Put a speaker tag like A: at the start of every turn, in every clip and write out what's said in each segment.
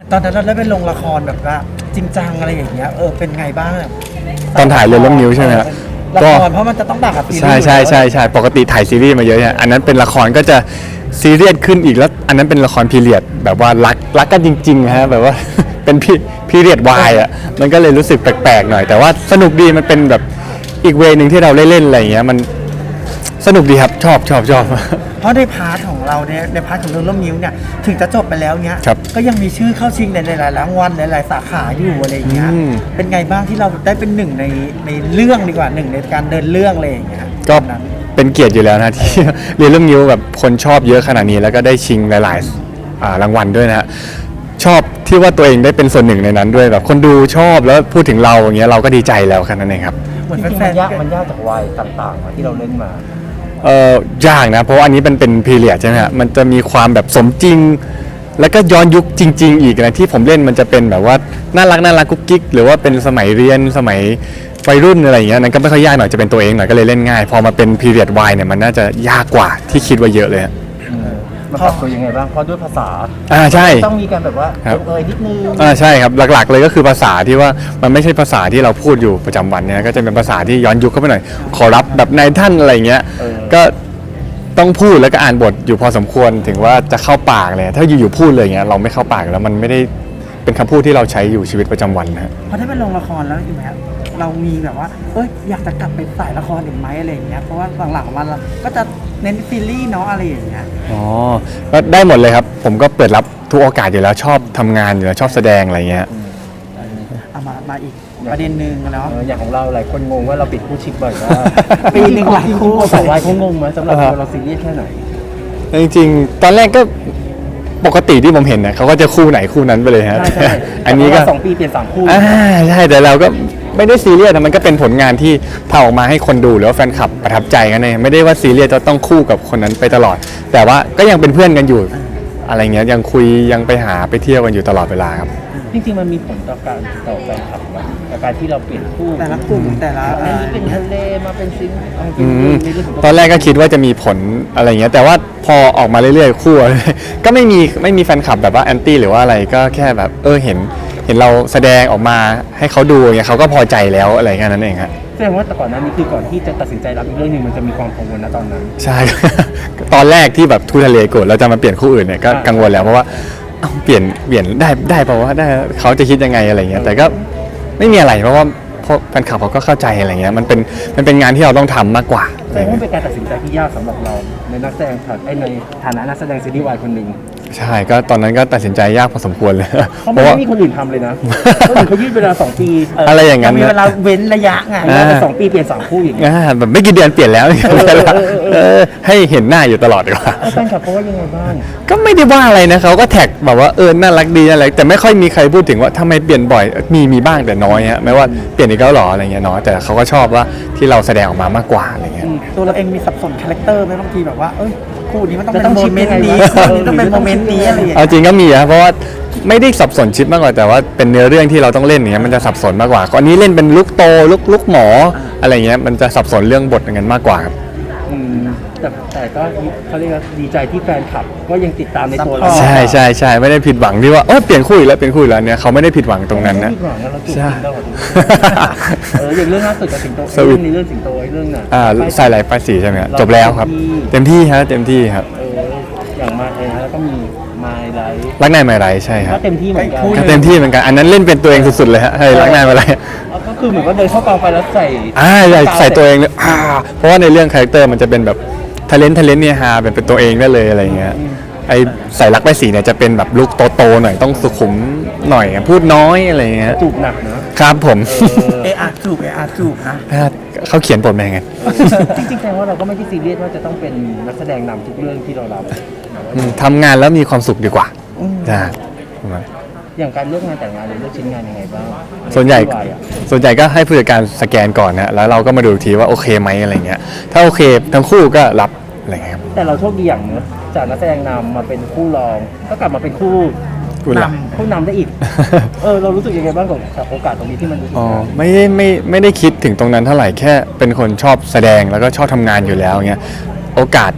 A: ตอนนั้นเราได้ไปลงละครแบบว่าจริงจังอะไรอย่างเงี้ยเป็นไงบ้าง
B: ตอนถ่ายเรื่องนิ้วใช่ไหมครับ
A: ละ
B: ก็
A: ครเพราะมันจะต้องดักกับซีรีส์
B: ใช่ปกติถ่ายซีรีส์มาเยอะเนี่ยอันนั้นเป็นละครก็จะซีเรียสขึ้นอีกแล้วอันนั้นเป็นละครพีเรียดแบบว่ารักกันจริงๆฮะแบบว่า เป็นพีเรียดวายอ่ะมันก็เลยรู้สึกแปลกๆหน่อยแต่ว่าสนุกดีมันเป็นแบบอีกเวนึงที่เราเล่นอะไรอย่างเงี้ยมันสนุกดีครับชอบ
A: เพราะในพาร์ทของเราเนี่ยในพาร์ทของเรื่องร่มนิ้วเนี่ยถึงจะจบไปแล้วเนี้ย
B: ครับ
A: ก็ยังมีชื่อเข้าชิงในหลายๆรางวัลหลายๆสาขาอยู่อะไรอย่างเงี้ย เป็นไงบ้างที่เราได้เป็นหนึ่งในเรื่องดีกว่าหนึ่งในการเดินเรื่องอะไรอย่างเงี้ย
B: ก็
A: ตอนนั้น
B: เป็นเกียรติอยู่แล้วนะ ที่ เรียนเรื่องนิ้วแบบคนชอบเยอะขนาดนี้แล้วก็ได้ชิงหลายๆรางวัลด้วยนะฮะชอบที่ว่าตัวเองได้เป็นส่วนหนึ่งในนั้นด้วยแบบคนดูชอบแล้วพูดถึงเราอย่างเงี้ยเราก็ดีใจแล้วแค่นั้นเองครับ
A: เหมือน
C: จริงๆ
A: แฟ
C: มัน นยาก
A: ๆ
C: มันยากจากวัยต่างๆที่เราเล่นมา
B: ยากนะเพราะว่าอันนี้เป็นพีเรียดใช่ไหมฮะมันจะมีความแบบสมจริง แล้วก็ย้อนยุคจริง ๆ อีกนะที่ผมเล่นมันจะเป็นแบบว่าน่ารักกุ๊กกิ๊กหรือว่าเป็นสมัยเรียนสมัยวัยรุ่นอะไรอย่างเงี้ยนั้นก็ไม่ค่อยยากหน่อยจะเป็นตัวเองหน่อยก็เลยเล่นง่ายพอมาเป็นพีเรียดวายเนี่ยมันน่าจะยากกว่าที่คิดว่าเยอะเลยฮะ
C: มันปรับตัวยังไงบ้าง เพราะด้วยภาษา
B: ใช่
C: ต้องมีการแบบว่า
B: ครับ
C: นิดนึง
B: ใช่ครับหลักๆเลยก็คือภาษาที่ว่ามันไม่ใช่ภาษาที่เราพูดอยู่ประจำวันเนี่ยก็จะเป็นภาษาที่ย้อนยุคเข้าไปหน่อยขอรับแบบนายท่านอะไรอย่างเงี้ยก็ต้องพูดแล้วก็อ่านบทอยู่พอสมควรถึงว่าจะเข้าปากเลยถ้าอยู่ๆพูดเลยอย่างเงี้ยเราไม่เข้าปากแล้วมันไม่ได้เป็นคำพูดที่เราใช้อยู่ชีวิตประจำวันนะฮะ
A: พอได้ไปลงละครแล้วใช่ไหมครับเรามีแบบว่าอยากจะกลับไปสายละครอีกไหมอะไรอย่างเงี้ยเพราะว่าหลังๆมาเราก็จะเน้นซีรีส์เนาะอะไรอย่างเงี้ย
B: อ๋อก็ได้หมดเลยครับผมก็เปิดรับทุกโอกาสอยู่แล้วชอบทำงานอยู่แล้วชอบแสดงอะไรเงี้ย
A: เอามาอีกประเด็นหนึ่งแล้ว
C: อย่างของเราหลายคนงงว่าเราปิดคู่ชิปบ่อยมาก
A: ปีหนึ่งหลายคู่
C: สองวัยเขางงไหมสำหรับตัวเราซีเรียสแค่ไหน
B: จริงๆตอนแรกก็ปกติที่ผมเห็นเนี่ยเขาก็จะคู่ไหนคู่นั้นไปเลยฮะ
C: ใช่
B: อันนี้ก็
C: 2 ปีเปลี่ยน3 คู่
B: ใช่แต่เราก็ไม่ได้ซีเรียสนะมันก็เป็นผลงานที่ทำออกมาให้คนดูหรือว่าแฟนคลับประทับใจกันเองไม่ได้ว่าซีเรียสจะต้องคู่กับคนนั้นไปตลอด แต่ว่าก็ยังเป็นเพื่อนกันอยู่อะไรเงี้ยยังคุยยังไปหาไปเที่ยวกันอยู่ตลอดเวลาครับ
C: จริงๆมันมีผลต่อการต่อแฟนคลับไหมกับการที่เราเปลี่ยนคู่
A: แต่ละกลุ่มแต่ละ
C: อันนี้เป็นทะเลมาเป็นซิงค์เอาจริ
B: อื
C: ง
B: ม
C: ๆในเรื่องของ
B: ตอนแรกก็คิดว่าจะมีผลอะไรเงี้ยแต่ว่าพอออกมาเรื่อยๆคู่ ก็ไม่มีแฟนคลับแบบว่าแอนตี้หรือว่าอะไรก็แค่แบบเห็นเราแสดงออกมาให้เขาดูอย่างเงี้ยเขาก็พอใจแล้วอะไรแค่นั้นเองฮะ
C: แสดงว่าแต่ก่อนหนั้นนี่คือก่อนที่จะตัดสินใจรับอีกเรื่องหนึงมันจะมีความกังวลนะตอนนั้น
B: ใช่ ตอนแรกที่แบบทูทะเลโกรธเราจะมาเปลี่ยนคู่อื่นเนี่ยก็กังวลแล้วเพราะว่าเอ้าเปลี่ยนได้เปล่าวะได้เขาจะคิดยังไงอะไรเงี้ยแต่ก็ไม่มีอะไรเพราะว่าพวกแฟนคลับเขาก็เข้าใจอะไรเงี้ยมันเป็นงานที่เราต้องทำมากกว่า
C: แสดงว่าเป็นการตัดสินใจที่ยากสำหรับเราในนักแสดงในฐานะนักแสดงซีรีส์วายคนหนึ่ง
B: ใช่ก็ตอนนั้นก็ตัดสินใจยากพอสมควรเลย
C: เพราะมันไม่มีคนอื่นทำเลยนะคนอื่นเขายืดเวลา2 ปี
B: อะไรอย่างนั้น
A: มี
B: นะ
A: เวลาเว้นระยะไง
C: แต่2 ปีเปลี่ยน3 คู่อย่างเงี้ย
B: แบบไม่กี่เดือนเปลี่ยนแล้วให้เห็นหน้าอยู่ตลอดดีกว่า
C: แฟนคลับเขาว่ายังไงบ้าง
B: ก็ไม่ได้ว่าอะไรนะเขาก็แท็กแบบว่าน่ารักดีอะไรแต่ไม่ค่อยมีใครพูดถึงว่าทำไมเปลี่ยนบ่อยมีบ้างแต่น้อยฮะไม่ว่าเปลี่ยนอีกแล้วหรออะไรเงี้ยน้อยแต่เขาก็ชอบว่าที่เราแสดงออกมามากกว่าอะไรเงี้ย
A: ตัวเราเองมีสับสนคาแรคเตอร์ไหมบางทีแบบว่าคู่นี้มันต้องเป็น
C: จะต้อง
A: โม
C: ชิป
A: เมน
C: ยัง
A: ต์
C: ไง
A: นี้
C: วะ
A: คู่นี้ต้องเป็นโมเมนต์นี้อะไรอย่าง
B: เอา
A: เงี้ย
B: จริงก็มีนะเพราะว่าไม่ได้สับสนชิปมากกว่าแต่ว่าเป็นเนื้อเรื่องที่เราต้องเล่นอย่างเงี้ยมันจะสับสนมากกว่าอันนี้เล่นเป็นลุกโตลุกหมออะไรเงี้ยมันจะสับสนเรื่องบทอย่างนั้นมากกว่าครับ
C: แต่ก็เขาเรียกว่าดีใจที่แฟนคลับก็ยังติดตามในตัวเรา
B: ใช่ไม่ได้ผิดหวังที่ว่าเปลี่ยนคู่อีกแล้วเนี่ยเขาไม่ได้ผิดหวังตรงนั้นนะ
C: ไม่ผิดหวังนะเราจูบ
B: ใช่
C: กันตลอดอย่างเรื่องล่าสุดกับสิงโต
B: สวิต
C: ในเรื่องสิงโตไอ้เรื่องน่ะ
B: ใส่ไหลป้ายสีใช่ไหมครับจบแล้วครับเต็มที่ครับ
C: อย่างมาแล้วก็มีมาไลท์
B: รักนายไม่ไรใช่ครั
C: ก็
B: บ
C: เต็มที่เหมือนกัน
B: ก็เต็มที่เหมือนกันอันนั้นเล่นเป็นตัวเองสุดๆเลยฮะให้รักนายไม่ไร
C: ก็คือเหมือนว่าเดินเข้ากองไปแล้วใส่
B: ใส่ตัวเองเลยเพราะว่าในเรื่องคาแรคเตอร์มันจะเป็นแบบทะเลนเนี่ยฮาเป็นตัวเองได้เลยอะไรเงี้ยไอใส่รักป้ายสีเนี่ยจะเป็นแบบลุคโตๆหน่อยต้องสุขุมหน่อยพูดน้อยอะไรเงี้ย
C: จูบหนักนะครับ
B: ผม
A: จูบนะ
B: เขาเขียนบทมายังไง
C: จริงๆแสดงว่าเราก็ไม่ได้ซีเรียสว่าจะต้องเป็นนักแสดงนำทุกเรื่องที่เรารับ
B: ทำงานแล้วมีความสุขดีกว่านะประมาณ
C: อย่างการเลือกงานแต่งงานหรือเลือกชิ้นงานยังไงบ้าง
B: ส่วนใหญ่
C: ที่วายอะ
B: ก็ให้ผู้จัดการสแกนก่อนนะแล้วเราก็มาดูอีกทีว่าโอเคไหมอะไรเงี้ยถ้าโอเคทั้งคู่ก็รับอะไรเงี้ยครับ
C: แต่เราโชคดีอย่างเนอะจากนักแสดงนำมาเป็นคู่รองก็กลับมาเป็นคู่
B: คุณล่ะ
C: คู่นำได้อีก เรารู้สึกยังไงบ้างกับโอกาสตรงนี้ที่มันรู้สึก
B: อ๋อไม่ได้คิดถึงตรงนั้นเท่าไหร่แค่เป็นคนชอบแสดงแล้วก็ชอบทำงานอยู่แล้วเงี้ยโอกาส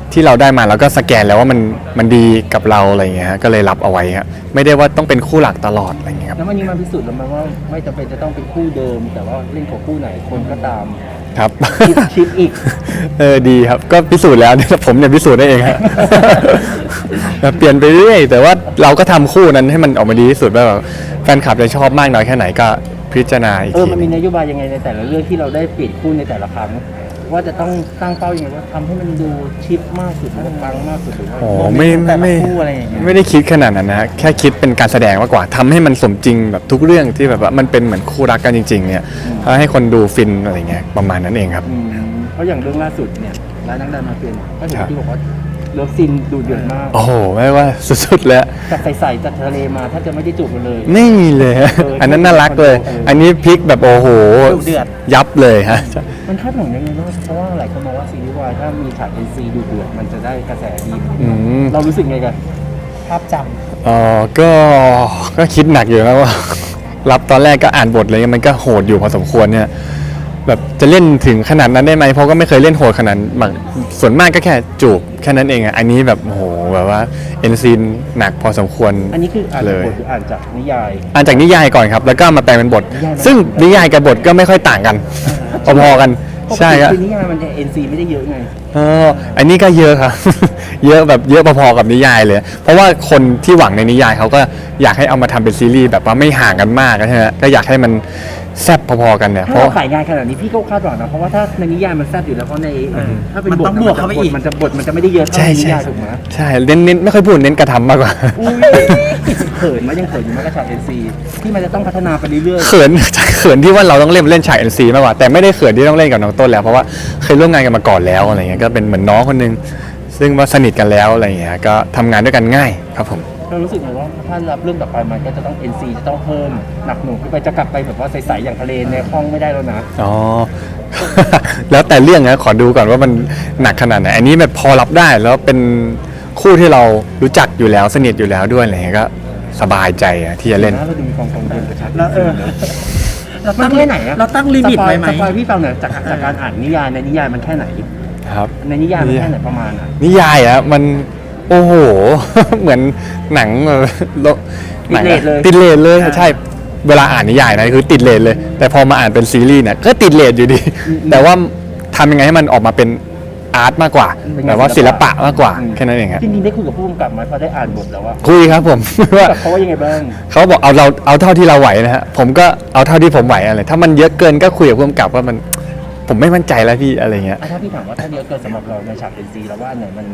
B: ที่เราได้มาแล้วก็สแกนแล้วว่ามันดีกับเราอะไรอย่างเงี้ยฮะก็เลยรับเอาไว้ครับไม่ได้ว่าต้องเป็นคู่หลักตลอดอะไรอย่างเงี้ยครับ
C: แล้ววันนี้มันพิสูจน์แล้วมั้ยว่าไม่จำเป็นจะต้องเป็นคู่เดิม แต่ว่าเล่นกับคู่ไหนคนก็ตาม
B: ครับ
C: ชิปอีก
B: ดีครับก็พิสูจน์แล้ว ผมเนี่ยพิสูจน์ได้เองฮะ เปลี่ยนไปเรื่อยแต่ว่าเราก็ทำคู่นั้นให้มันออกมาดีที่สุดว่าแบบแฟนคลับจะชอบมากน้อยแค่ไหนก็พิจารณาอีกที
C: มันมีนโยบายยังไงในแต่ละเรื่องที่เราได้เปลี่ยนคู่ในแต่ละครั้งว่าจะต้องตั้งเป้ายังไงว่าทำให้มันดูชิปมากสุดหรือว่าปังมากสุดหรือว่า
B: โอ้ไม่
A: แต่ละ
B: ไม่
A: คู่อะไรอย่างเงี้ย
B: ไม่ได้คิดขนาดนั้นนะฮะแค่คิดเป็นการแสดงมากกว่าทำให้มันสมจริงแบบทุกเรื่องที่แบบว่ามันเป็นเหมือนคู่รักกันจริง ๆ เนี่ยให้คนดูฟินอะไรเงี้ยประมาณนั้นเองครับ
C: เพราะอย่างเรื่องล่าสุดเนี่ยร้านนักดันมาเป็นก็เห็น
B: ครับ
C: ที่บอกว่าเลิฟซีนดูเดือดมาก
B: โอ้โหไม่ว่าสุดๆแล้ว
C: จากใสๆจากทะเลมาถ้าจะไม่ได้จูบกันเลย
B: ไม่มีเลยฮะอันนั้นน่ารักเลย อันนี้พลิกแบบโอ้โห
A: ดุเดือด
B: ยับเลยฮะ
C: มันคาดหวังยังไงบ้างเพราะว่าหลายคนมองว่าซีรีส์วายถ้ามีฉาก NC ดูเดือดมันจะได้กระแสดี
B: อืม
C: เรารู้สึกไงกัน
A: ภาพจ
B: อ๋อก็คิดหนักอยู่นะว่า รับตอนแรกก็อ่านบทอะไรเงี้ยมันก็โหดอยู่พอสมควรเนี่ยแบบจะเล่นถึงขนาดนั้นได้ไหมเพราะก็ไม่เคยเล่นโหดขนาดนั้นส่วนมากก็แค่จูบแค่นั้นเองอ่ะอันนี้แบบโอ้โหแบบว่าเอ็นซีนหนักพอสมควร
C: อันนี้คืออ่าน
B: เล
C: จาก
B: ย
C: บทหรืออ่านจากนิยาย
B: อ่านจากนิยายก่อนครับ แล้วก็มาแปลเป็นบท
C: นิยายมัน
B: ซึ่งนิยายกับบทก็ไม่ค่อยต่างกันพอๆกันใช่ครับ
C: คือนิยายมันจะ NC ไม่ได้เยอะไง
B: อันนี้ก็เยอะครับ เยอะแบบเยอะพอๆกับนิยายเลย เพราะว่าคนที่หวังในนิยายเขาก็อยากให้เอามาทำเป็นซีรีส์แบบว่าไม่ห่างกันมากใช่ไหมก็อยากให้มันแซ่บพอๆกันเนี่ยเพ
C: ถ้า
B: ราะ
C: เราขายงานขนาดนี้พี่ก็คาดหวังนะเพราะว่าถ้าในนิยายมันแซ่บอยู่แล้วเพราะในถ้าเป็นบท
A: มันต้องบวกเข้าไปอีก
C: มันจะไม่ได้เยอะเท่า
B: ใช่
C: ในนิ
B: ใช่
C: ยายถูกไหม
B: ใช่เน้นไม่ค่อยพูดเน้นกระทำมากกว่า
C: อุ้ยเขินไหมยังเขินอยู่ไหมกับฉาก NC ที่มันจะต้องพัฒนาไปเรื่อย
B: เขิน เขินที่ว่าเราต้องเล่นฉาก NC มากกว่าแต่ไม่ได้เขินที่ต้องเล่นกับน้องต้นแล้วเพราะว่าเคยร่วมงานกันมาก่อนแล้วอะไรเงี้ยก็เป็นเหมือนน้องคนนึงซึ่งว่าสนิทกันแล้วอะไรเงี้ยก็ทำงานด้วยกันง่ายครับผม
C: ๆเรารู้สึกไงว่าถ้ารับเรื่องต่อไปมันก็จะต้อง NC จะต้องเพิ่มหนักหน่วงขึ้นไปจะกลับไปแบบว่าใสๆอย่างทะเลในห้องไม่ได้แล้วนะ
B: อ๋อ แล้วแต่เรื่องนะขอดูก่อนว่ามันหนักขนาดไหนอันนี้แบบพอรับได้แล้วเป็นคู่ที่เรารู้จักอยู่แล้วสนิทอยู่แล้วด้วยอะไรเงี้ยก็สบายใจอะที่จะเล่น
C: เราดูมีความกังวลกับฉาก
A: ำแล้ว เรา
C: มั
A: ตั้
C: น
A: ง
C: แค่ไหนอะ
A: เราตั้งลิมิตไว้ไหม
C: สปอยพี่ฟังหน่อยจากการอ่านนิยายในนิยายมันแค่ไหน
B: ครับ
C: ในนิยายมันแค่ไหนประมาณอะ
B: นิยายอะมันโอ้โห เหมือนหนังหนังอะติดเลทเลยใช่เวลาอ่านนิยายนะคือติดเลทเลย แต่พอมาอ่านเป็นซีรีส์เนี่ยก็ติดเลทอยู่ดี แต่ว่าทำยังไงให้มันออกมาเป็นอาร์ตมากกว่าแบบว่าศิลปะมากกว่าแค่นั้นเองครับ
C: จริงๆได้คุยกับผู้กำกับไหมพอได้อ่านบทแล้วว่า
B: คุยครับผม ว่า
C: เขาว่ายังไงบ้าง
B: เขาบอกเอาเท่าที่เราไหวนะฮะผมก็เอาเท่าที่ผมไหวอะไรถ้ามันเยอะเกินก็คุยกับผู้กำกับว่ามันผมไม่มั่นใจแล้วพี่อะไรเงี้ย
C: ถ้าพี่ถามว่าถ้าเยอะเกินสำหรับเราในฉาก NC แล้วว่าอันไหนมัน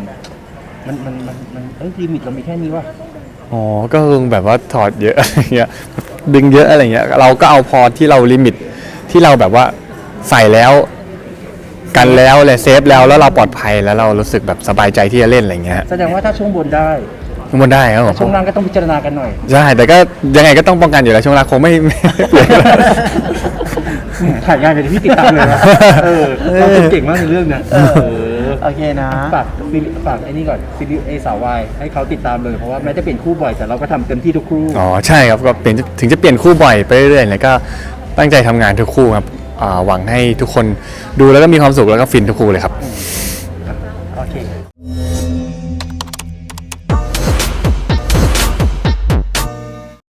C: ลิมิตเรามีแค่นี้วะ
B: อ๋อก็คงแบบว่าถอดเยอะ อะไรเงี้ยดึงเยอะอะไรเงี้ยเราก็เอาพอที่เราลิมิตที่เราแบบว่าใส่แล้วกันแล้วเลยเซฟแล้วเราปลอดภัยแล้วเรารู้สึกแบบสบายใจที่จะเล่นอะไรเงี้ย
C: แสดงว่าถ้าช่วงบนได้
B: ทุกคนได้ครับผม
C: ช่วงล่างก็ต้องพิจารณากันหน่อย
B: ใช่แต่ก็ยังไงก็ต้องป้องกันอยู่แล้วช่วงแรกคงไม่เปลี่ยน
C: ถ่ายงานอย่างที่พี่ติดตามเลยนะเราเก่งมากในเรื่องเนี้ย
A: โอเคนะ
C: ฝากไอ้นี่ก่อนซีรีส์สาววายให้เขาติดตามเลยเพราะว่าแม้จะเปลี่ยนคู่บ่อยแต่เราก็ทำเต็มที่ทุกคู่
B: อ๋อใช่ครับก็เปลี่ยนถึงจะเปลี่ยนคู่บ่อยไปเรื่อยๆแล้วก็ตั้งใจทำงานทุกคู่ครับหวังให้ทุกคนดูแล้วก็มีความสุขแล้วก็ฟินทุกคู่เลยครับ